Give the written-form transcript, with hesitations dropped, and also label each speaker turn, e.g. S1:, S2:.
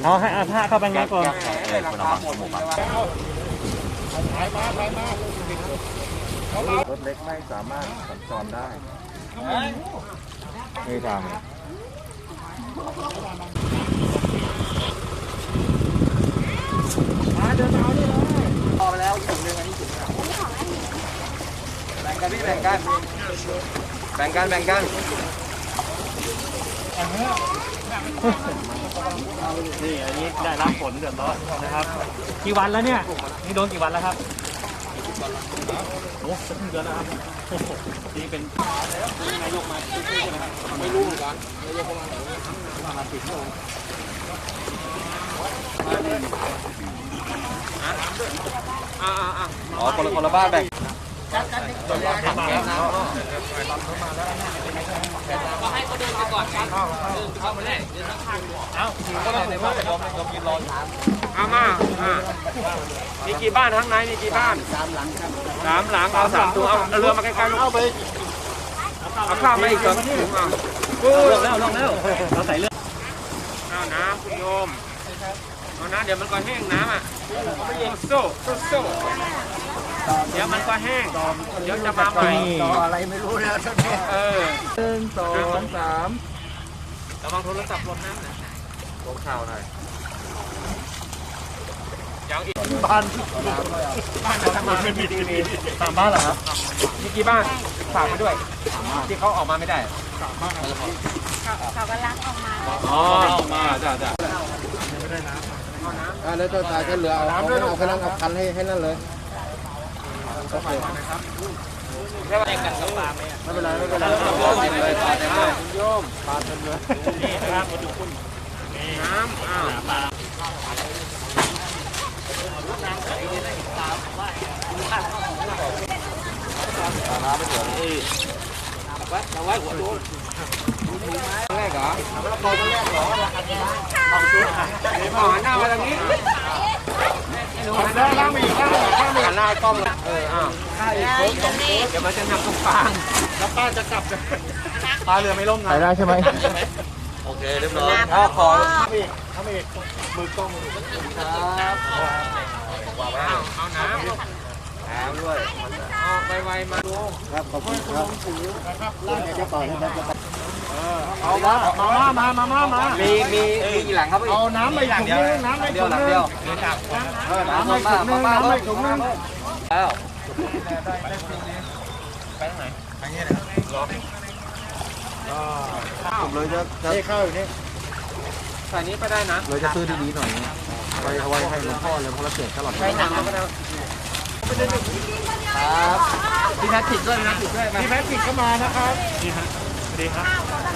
S1: เอาให้อาผ้าเข้าไปง่ายก่อน
S2: รถเล็กไม่สามารถสัญจรได้ไม่ทาง
S3: มาเดินเอานี่เลยพอไปแล้วถุงนึงอันนี้ถุงแบ่งกันพี่แบ่งกันแบ่งกันแบ่งกัน
S1: นี่อันนี้ได้รับผลเดือดร้อนนะครับกี่วันแล้วเนี่ยนี่โดนกี่วันแล้วครับโอ้สักเดือนแล้วครับนี่เป็นนายกมาใช่ไหมครับ
S3: ไม่รู้เหมือนกันนายกประมาณ10 ชั่วโมงอ๋อคนละบ้านแบ่งก็ให้เขาเดินไปก่อนกันเดินเข้ามาแรกเดินข้างๆเอ้าก็ได้ในบ้านยอมยืนรอมามีกี่บ้านข้างในมีกี่บ้าน3 หลังครับ3 หลังเอา3 ตัวเอาเรือมาใกล้ๆเอาไปเอาข้าวมาอีก2 ถุงเอา
S1: ลงแล้วเราใส่เรือ
S3: เอาน้ำคุณโยมเอาน้ำเดี๋ยวมันก็แห้งน้ำอ่ะโซ่เดี๋ยวมันก็แห้งเดี๋ยวจะมาใหม่ต่ออะไรไม่รู้นะท่านนี้1 2 3ระวังโทรศัพท์หล่นน้ำนะลงข่าวหน่อยยังอีกบ้านทำไมไม่มีทีวี3 บ้านเหรอครับมีกี่บ้านฝากมาด้วยที่เขาออกมาไม่ได้
S4: เขากำลังออกมา
S3: ออกมาจ้ะ
S2: แล้วตัวตายก็เหลือเอาพลังเอาคันให้นั่นเลยโอเค
S3: ไม่เป็นไรไม่เป็นไรเลยปาเต็มเลยโยมปาเต็มเลย
S1: นี่นะครับมาดูคุณ
S3: น้ำปลาน้ำไม่เหลือนี่เราไว้หัวโดนแรกเหรอตอนแรกเหรอหันหน้ามาทางนี้หันหน้ามาอีกหันหน้ากล้องเดี๋ยวมันจะนำตรงกลางแล้วป้าจะกลับปลาเรือไม่ล่มนะ
S2: ได้ใช่ไหม
S3: โอเคเรียบร้อยขอทำอีกมือกล้องครับเอาน้ำด้วยเอาไวๆมาดู
S2: ครับขอบคุณครับจะต่อนะครับ
S3: เอามามีกี่หลังครับเอาน้ำไปถุงนึงน้ำไปถุงนึงน้ำไปถุงนึงน้ำไปถุงนึงแล้วไปทางไหนไปนี่เลยครับ
S2: ผมเลยจะ
S3: ข้าวอยู่นี่ใส่นี้ไปได้นะ
S2: เลยจะซื้อดีๆหน่อยไว้ให้หลวงพ่อเลยเพราะเราเสียตลอด
S3: ใช้หนังก็ได้ครับพี่แพทริกด้วยพี่แพทริกก็มานะครับ
S1: ดีครับ